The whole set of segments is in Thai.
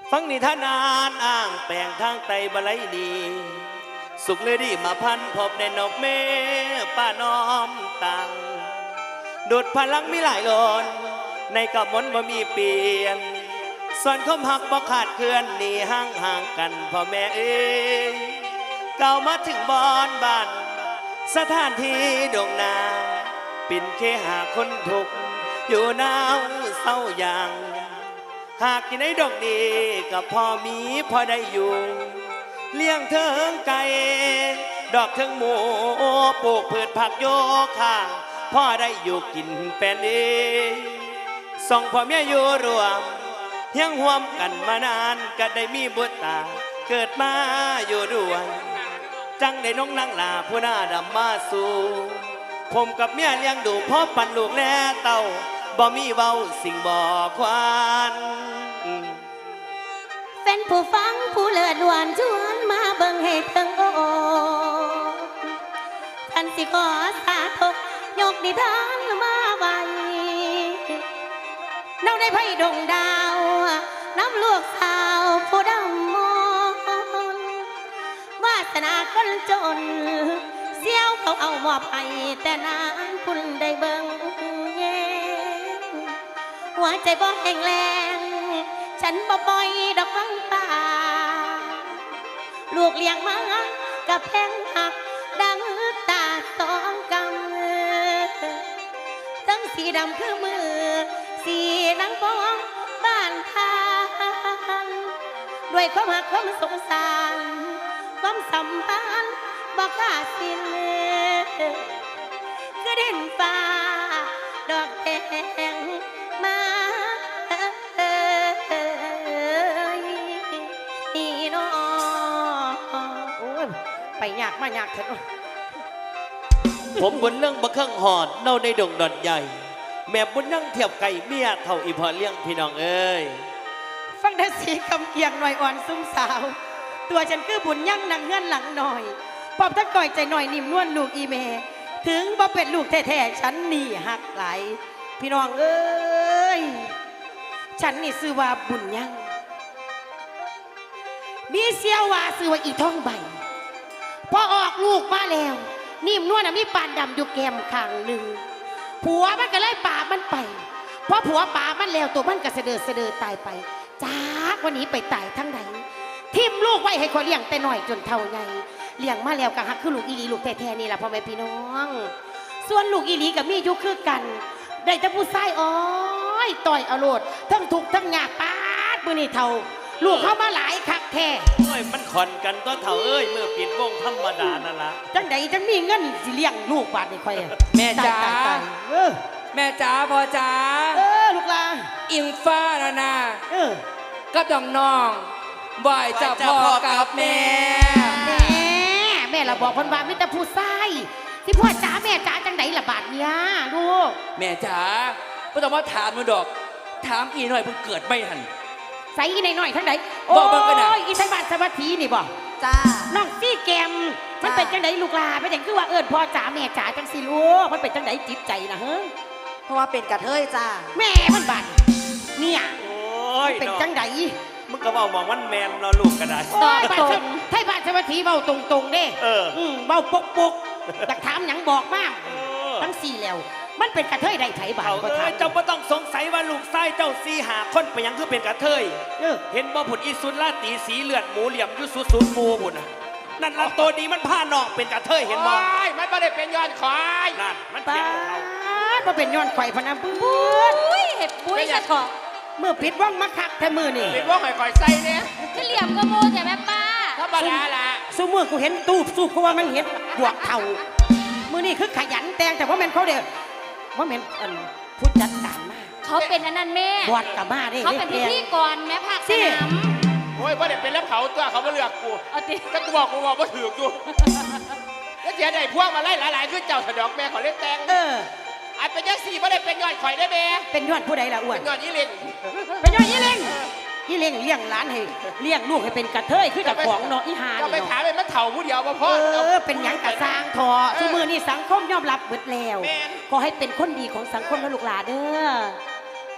ฟังนิทานนานอ้างแปลงทางไตบะไลดีสุขเลยดีมาพันพบในนกเมป้าน้อมตังดูดพลังมีหลายหลนในกับมนบ่มีเปลี่ยนส่วนคมหักบ่ขาดเคลื่อนหนีห่างกันพ่อแม่เอ้ยเก่ามาถึงบอนบ้านสถานที่โด่งนาปิ่นเคหาคนทุกอยู่หนาวเศร้าอย่างหากกินในดอกดีกับพ่อมีพอได้อยู่เลี้ยงเทิงไก่ดอกเทิงหมูปลูกพืชผักโยค่าพ่อได้อยู่กินเป็นเองส่องพ่อแม่อยู่รวมยังห่วมกันมานานก็ได้มีบุตรตาเกิดมาอยู่ด้วยจังได้น้องนางลาผู้หน้าดำมาสู่ผมกับเมียเลี้ยงดูพ่อปั่นลูกแล่เต่าบ่มีเว้าสิ่งบ่ควานเป็นผู้ฟังผู้เลิศหวานชวนมาเบิ่งให้เทิงโอ้ท่านสิขอสาธุยกนิทานมาไว้น้องได้ไพ่ดงดาวน้ำลูกสาวผู้ดำมนวาสนาคนจนเสี้ยวเขาเอามอบให้แต่นานคุณได้เบิ่งแย่หัวใจบ่แห้งแรงฉันบ่ปล่อยดอกฟังป่าลูกเลี้ยงมากับแพงหักดังตาสองกำทั้งสีดำคือมือสีนังปองบ้านทางด้วยความหักความสงสารความสัมพันธ์บ่ขาดสิ้นคือเด่นฟ้าดอกแดงมาไปยากมายากเถอะผมบนเรื่องบะเครื่องหอดเน่าในดงดอนใหญ่แม่บุญนั่งเทียบไก่เมียเท่าอีพอเลี้ยงพี่น้องเอ้ยฟังได้สีคำเกียงหน่อยอ่อนซุ่มสาวตัวฉันคือบุญยั่งนางเงื่อนหลังหน่อยปอบทั้งก่อยใจหน่อยนิ่มนวลลูกอีเมถึงบ่เป็นลูกแท้ๆฉันนี่หักไหลพี่น้องเอ้ยฉันนี่ชื่อว่าบุญยั่งมีเสียวว่าชื่อว่าอีท่องใบพอออกลูกมาแล้วนิ่มนวลมีปานดำอยู่แก้มข้างหนึ่งผัวมันก็เลยป่ามันไปเพราะผัวป่ามันแล้วตัวมันก็เสดอตายไปจากวันนี้ไปตายทั้งใดทิมลูกไว้ให้คนเลี้ยงแต่หน่อยจนเท่าไงเลี้ยงมาแล้วก็หักคือลูกอีหลีลูกแท้ๆนี่แหละพ่อแม่พี่น้องส่วนลูกอีหลีกับมียุคือกันได้แต่ผู้ชายอ้อยต่อยอรรถทั้งทุกทั้งยากปาดมือนี่เท่าลูกเข้ามาหลายคักแท้โอ้ยมันขอนกันก็เท่าเอ้ยเมื่อปิดวงธรรมดานั่นละจังใดจังมีเงินสิเลี้ยงลูกบาดนี่ค่อยแม่จ๋าแม่จ๋าพ่อจ๋าลูกลาอิงฟ้านาก็ต้องน้องบ่อยจะพ่อกับแม่แม่เราบอกคนบ้านไม่แต่ผู้ชายที่พ่อจ๋าแม่จ๋าจังใดละบาดเนี่ยลูกแม่จ๋าไม่ต้องมาถามหนูดอกถามอีหน่อยเพิ่งเกิดไม่ทันใส่อีหน่อยทั้งไหนโอ้ยอีไทยบ้านสวัสดีนี่บ่จ้าน้องซี่แกมมันเป็นจังไดลูกลาเป็นอย่างคือว่าพ่อจ๋าแม่จ๋าจังสิลูกมันเป็นจังไดจิตใจนะเฮ้ยเพราะว่าเป็นกระเทยจ้าแม่มันบาดเนี่ยโอ้ยเป็นจังไดมึงก็บอกมมันแมนเราลูกกันได้ไทยบ้านสวัสดีเบาตรงๆเด้เบาปกอยากถามหยังบอกมากทั้งสี่แล้วมันเป็นกระเทยได้ไถบ่าวก็ถามเจ้าไม่ต้องสงสัยว่าลูกไส้เจ้าซีหาคนไปยังคือเป็นกระเทยเห็นบ่ผุดอีสุดลาตีสีเลือดหมูเหลี่ยมยุสุดมูบุญนั่นละตัวนี้มันผ้านอกเป็นกระเทยเห็นบ่มันไม่ได้เป็นย้อนควายนั่นมันเพียงเขามันเป็นย้อนควายพนันปื้ดเห็ดปุ้ยจะถอดเมื่อปิดว่องมาคักแค่มือนี่ปิดว่องหอยใส่เนี่ยจะเหลี่ยมกระโมใช่ไหมป้าธรรมดาละสู้มือกูเห็นตูบสู้เพราะว่ามันเห็นบวกเท่ามือนี่คือขยันแต่งแต่ว่ามันเขาเดียวว่าเหม็นผู้จัดการมากเขาเป็นอันนั้นแม่บวชกับมาได้เขาเป็นพิธีกรแม่ภาคสนามโอ้ยพ่อเด็กเป็นแล้วเขาตัวเขาไม่เลือกกูก็กูบอกว่าถืออยู่แล้วเสียใจพวกมาไล่หลายๆขึ้นเจ้าสะดอกแม่เขาเล่นแตงอันเป็นยักษ์สี่พ่อเด็กเป็นยอดข่อยได้แม่เป็นยอดผู้ใดล่ะอ้วนเป็นยอดยี่เล่งเป็นยอดยี่เล่งยี่เล่งเลี้ยงหลานให้เลี้ยงลูกให้เป็นกระเทยคือจากของเนาะอีหาก็ไปถามเลยมันเถ่าผู้เดียวมาพ่อเป็นหยังกระซางทอสมือนี่สังคมยอมรับเบิดแล้วขอให้เป็นคนดีของสังคมและลูกหลานเด้อถ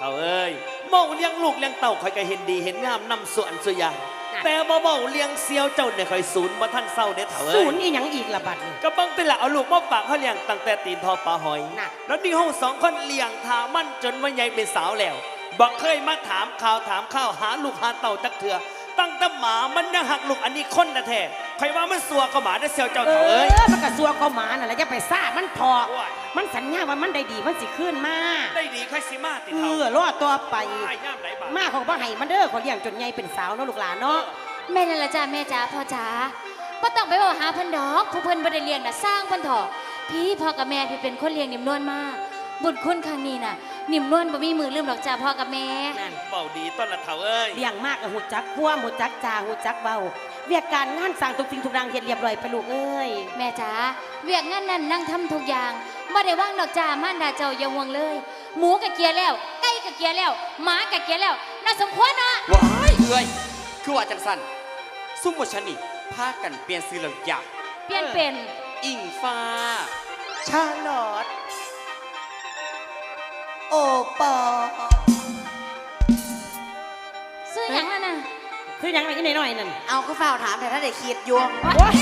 เขาเอ้ยเมาเลี้ยงลูกเลี้ยงเต่าคอยก็เห็นดีเห็นงามนำส่วนส่วนอย่างแต่บ่เมาเลี้ยงเซียวเจ้าเนี่ยคอยศูนย์บ่ท่านเศร้าเด้อเถ่าเอ้ศูยนย์อีหยังอีกละบัดนี่ก็เบังเป็นละเอาลูกมาฝากเขาเลี้ยงตั้งแต่ตีนทอปลาหอยน่ะแล้วนี่ห้องสองคนเลี้ยงทามันจนว่าใหญ่เป็นสาวแล้วบอกเคยมาถามข่าวถามข้าวหาลูกหาเต่าจักเถื่อตั้งแต่หมามันยังหักลูกอันนี้คนนะแท้ใครว่ามันสัวก็หมาได้อเซียวเจ้าเถ่าเอ้ยมันกระซัวก็หมาน่ะแหละจะไปซ่ามันพอโอ้ยมันสัญญาว่ามันได้ดีมันสิขึ้นมาได้ดีค่อยสิมาติเถ่ารอตัวไปไอ้ย่ามไหนบ้างมาของบ่ให้มันเด้อขอเลี้ยงจนใหญ่เป็นสาวเนาะลูกหลานเนาะแม่นั่นละจ้าแม่จ๋าพ่อจ๋าบ่ต้องไปบอกหาเพิ่นดอกผู้เพิ่นบ่ได้เลี้ยงน่ะสร้างเพิ่นเถอะพี่พ่อกับแม่พี่เป็นคนเลี้ยงนิ่มนวลมาบุญคุณครั้งนี้น่ะนิ่มนวลบ่มีมือลืมหรอกจ้าพ่อกับแม่นั่นเบาดีต้นละเถ่าเอ้ยเลี้ยงมากกับหูจักพัวหูจักจาหูจักเบาเวียกการงานสั่งทุกสิ่งทุกอย่างเฮ็ดเรียบร้อยไปลูกเอ้ยแม่จ๋าเวียกงานนั้นนั่งทำทุกอย่างบ่ได้ว่างดอกจ้ามารดาเจ้าอย่าห่วงเลย หมูกะเกียแล้วไก่กะเกียแล้วหมากะเกียแล้วน่าสมควรเนาะว้ายเอ้ยคือว่าจังสันซุ่มบชนิพากันเปลี่ยนซื้อแล้วอยากเปลี่ยนเป็นอิงฟ้าชาลอตโอปอซื้อหยังนั่นน่ะคือหยังไงอีน้อยๆนั่นเอาก็เฝ้าถามแต่ถ้าได้คิดอยู่โอ๊ย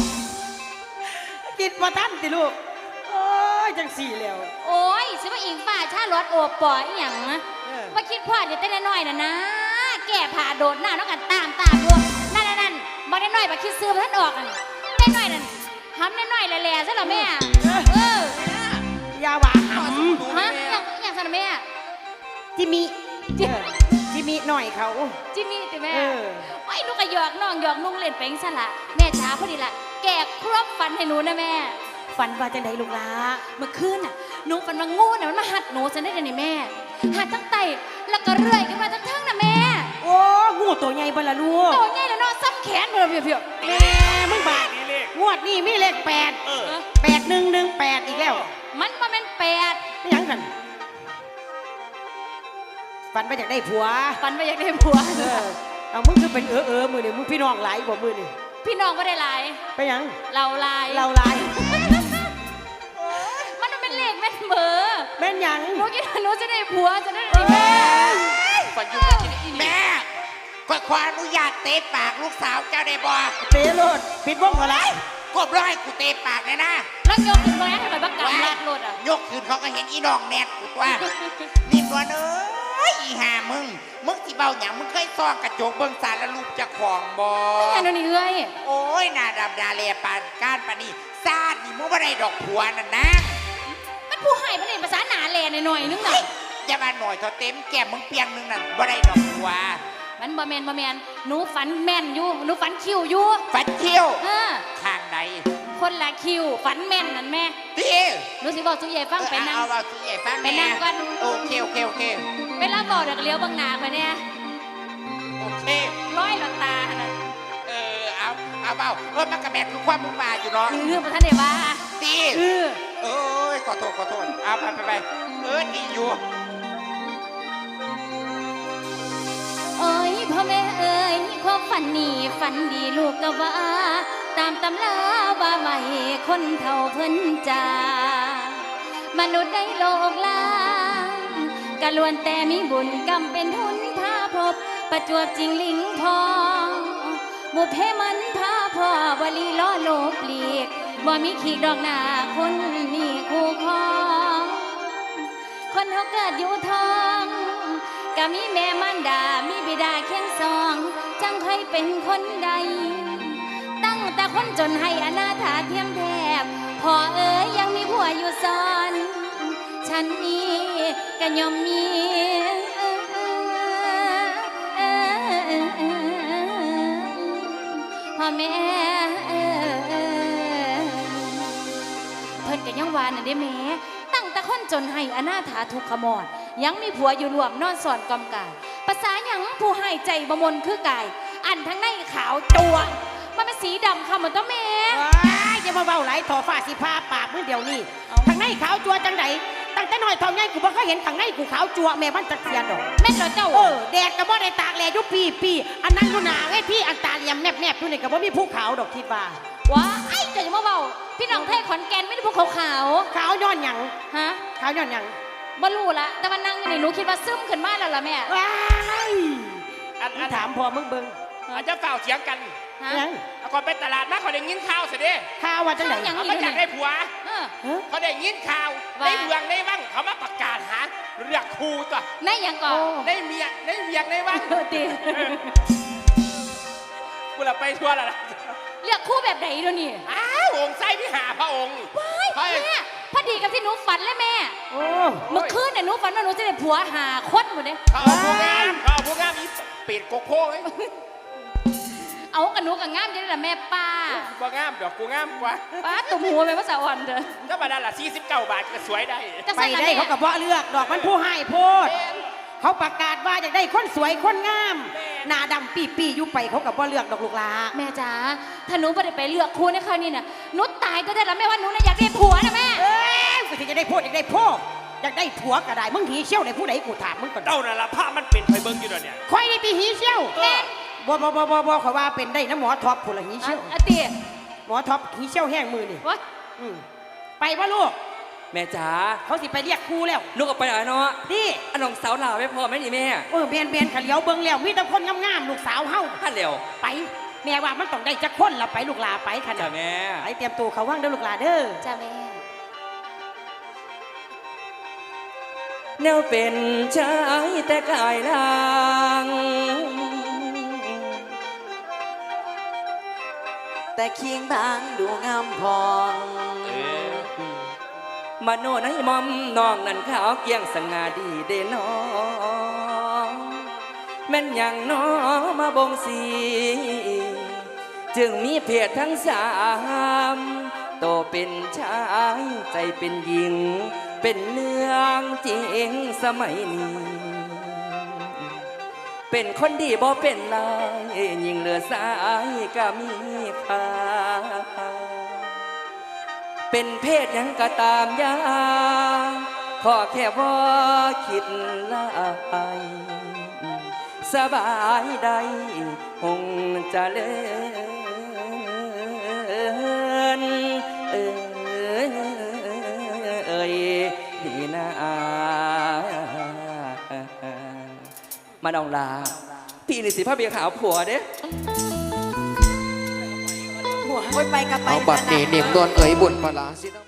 กินบ่ทันติลูกโอ้ยจังสี่แล้วโอ้ยซื้อมาอิงฟ้าชาลอดโอบปออีหยังนะเออว่าคิดพลาดอยู่แต่น้อยๆน่ะนะ แก่ผ่าโดดหน้าน้องกันตามดูนั่นบ่ได้น้อยบ่คิดซื้อบ่ทันออกนั่นได้น้อยนั่นหำน้อยๆแหล่ๆซะเหรอแม่เอออยาว่าหฮะอย่างซะนะแม่ำจิมีจิมีหน่อยเขาจิมมี่ติแม่เออโอ้ยหนูก็หยอกน้องหยอกนุ่งเล่นไปจังซั่นล่ะแม่จ๋าพอดีล่ะแก่ครบฟันให้หนูนะแม่ฝันว่าจังไดลูกหลาเมื่อคืนน่ะหนูฝันว่างูน่ะมันมาหัดหนูซะได้เดี๋ยวนี้แม่หัดทั้งไตแล้วก็เรื่อยขึ้นมาทั้งน่ะแม่โอ้งูตัวใหญ่บ่ละลูกโตใหญ่แล้วเนาะซ้ำแขนบ่ล่ะเพียวแม่มึงบาดนี่เลขงวดนี้มีเลข8 เออ 8118อีกแล้วๆมันบ่แม่นแปดไม่หยังกันฝันว่าอยากได้ผัวฝันว่าอยากได้ผัวเอามึงคือเป็นมือนี่มึงพี่น้องหลายบ่มือนี่พี่น้องบ่ได้หลายไปหยังเราหลายเราหลายมันเป็นเลขแม่นเบอร์แม่นหยังหนูคิดว่าหนูจะได้ผัวจะได้แม่ฝันอยู่ไม่กินอีนี่แม่ก็ขออนุญาตเตะปากลูกสาวเจ้าได้บ่เตะโลดปิดวงก่อนละกบร้อยกูเตะปากเลยนะแล้วยกขึ้นมาให้ข่อยบักกำลากรถอ่ะยกขึ้นเขาก็เห็นอีน้องแนทกูตัวนี่ตัวเอ้ยอีห่ามึงที่เบาหยังมึงเคยซ่องกระจกเบิ่งสารแล้วรูปเจะของบ่แม่นนี่เอ้ยโอ้ยหน้าดำดาเลปานก้านปานนี่ซาดนี่มึงบ่ได้ดอกผัวนั่นนะมันผู้ให้มันเล่นภาษาหนาแลหน่อยนึงน่ะอย่ามาหน่อยเท่าเต็มแก้มมึงเปียงนึงนั่นบ่ได้ดอกผัวมันบ่แม่นหนูฝันแม่นอยู่หนูฝันคิวอยู่ฟันเขี้ยวเออข้างใดคนละคิวฝันแม่นนั่นแม่ตีหนูสิบอกสุยายฟังไปนั่งเอาสุใหญ่ฟังไปนั่งก่อนโอเคเวลาบอกเด็กเลี้ยวบางนาไปเนี่ยโอเคร้อยหลักตาน่ะเอาเบามันกระแมทคือความมุ่งมาอยู่เนาะคือพระท่านเดว่าตีเออเอ้ยขอโทษเอาไปดีอยู่โอ้ยพ่อแม่เอ้ยความฝันนี่ฝันดีลูกก็ว่า ตามตำราว่าไว้คนเท่าเพิ่นจามนุษย์ในโลกล่างกะล้วนแต่มีบุญกรรมเป็นทุนพาพบ ประจวบจริงลิงพองบุพเพมันพาพ่อวลีล้อโลกเลีกบ่มีขีดดอกหนาคนมีคู่ครอง คนเขาเกิดอยู่ท้องก็มีแม่มารดา มีบิดาเคียงสอง จังค่อยเป็นคนใด ตั้งแต่คนจนให้อนาถาเทียมแทบพ่อเอ๋ยยังมีผัวอยู่ซ้อน ฉันนี้ก็ยอมมีพ่อแม่เพิ่นก็ยังว่าน่ะเด้แม่ตั้งแต่คนจนให้อนาถาทุกขมอดยังมีผัวอยู่รวมนอนสอนกอมกายภาษาหยังผู้ให้ใจบ่มนคือกาย อันทั้งในขาวจัวมันเป็นสีดำค่ะเหมือนตัวแม่อย่ามาเบาไหลถอฟ้าสิพาปากมือเดียวนี่ทางในขาวจัวจังไดตั้งแต่น้อยทองใหญ่กูบ่เคยเห็นทางในกูขาวจัวแม่มันจักเสียดอกแม่นเหรอเจ้าแดดก็บ่ได้ตากแลอยู่ปีอันนั้นอยู่หนาไอ้พี่อันตาเหลี่ยมแนบอยู่นี่ก็บ่มีภูเขาดอกคิดว่าว้าไอ้เจ้าอย่ามาเบาพี่น้องไทยขอนแก่นไม่ได้พวกขาวขาวย้อนหยังๆฮะขาวย้อนหยังบ่รู้ละแต่ว่านั่งอยู่นี่หนูคิดว่าซึมขึ้นมาแล้วล่ะแม่ว้ายอันถามพ่อมึงเบิ่งอาจจะเฝ้าเถียงกันฮะยังเอาก่อนไปตลาดมาเขาได้ยินข่าวสิเด้ข่าวว่าจังได๋ข่าวหยังเอามาจากได้ผัวเออฮะเขาได้ยินข่าวว่าในเมืองในวังเขามาประกาศหาเรียกครูตัวแม่หยังก่อนในเมียในวังเออติกูละไปทั่วและล่ะเลือกคู่แบบไหนเดี๋ยวนี้อ้าวองค์ไส้พิหาพระองค์ว้ายเฮ้ยแม่พอดีกับที่หนูฝันเลยแม่โอ้เมื่อคืนเนี่ยหนูฝันว่าหนูจะได้ผัวหาคนหมดเลยเขาเอาผู้งามอีเป็ดโกโก้ไว้เอากับหนูกับง่ามจะได้ละแม่ป้าบ่งามดอกกูงามกว่าป้าตุ่มหัวไปภาษาอ่อนเด้อก็มาได้ละ49 บาทก็สวยได้จะไปใส่ละได้แม่เขากับบ่เลือกดอกมันผู้ให้โพดเขาประกาศว่าอยากได้คนสวยคนงามหน้าดำปีอยู่ไปเขากับบ่เลือกดอกลูกหลาแม่จ๋าถ้าหนูไม่ได้ไปเลือกคู่ในคราวนี้น่ะหนูตายก็ได้ละแม่ว่าหนูน่ะอยากได้ผัวนะแม่เอ้ยกูสิจะได้โพดอยากได้โพดอยากได้ผัวก็ได้มึงหีเชี่ยวในผู้ใดกูถามมึงก่อนเจ้าน่ะละผ้ามันเป็นไฟเบิ้งอยู่ดอกเนี่ยค่อยนี่ตีหีเชี่ยวบ่เขาว่าเป็นได้นะหมอท็อปผู้ละหีเชี่ยวอะเตี๋ยหมอท็อปหีเชี่ยวแห้งมือนี่วะอืมไปว่าลูกแม่จ๋าเขาสิไปเรียกครูแล้วลูกออกไปหน่อยเนาะนี่อันน้องสาวลาไม่พอไหมนี่แม่เบียนขะเหลียวเบิ่งแล้วมีแต่คนงามๆลูกสาวเฮาท่านเร็วไปแม่ว่ามันต้องได้จักคนละไปลูกหลาไปขนาจ้าดแม่ไปเตรียมตัวเขาว่างเด้อลูกหลาเด้อจ้าแม่แนวเป็นชายแต่กายลางแต่เคียงบางดูงามพองมาโนในมอมน้องนั่นขาวเกียงสง่าดีเด้น้องแม่นอย่างน้อมาบงสีจึงมีเพศทั้งสามโตเป็นชายใจเป็นหญิง เป็นเรื่องจริงสมัยนี้ เป็นคนดีบ่เป็นลายยิ่งเหลือสายก็มีค่าเป็นเพศหยังก็ตามยาขอแค่ว่าคิดลายสบายใดคงจะเลินดีนะมาดองลาพี่นี่สิพระเบียร์ขาวผัวเด้หัวไปกับไปเอาบัตรนี้เนียมนวลเอ๋ยบุญปลาสิเนาะ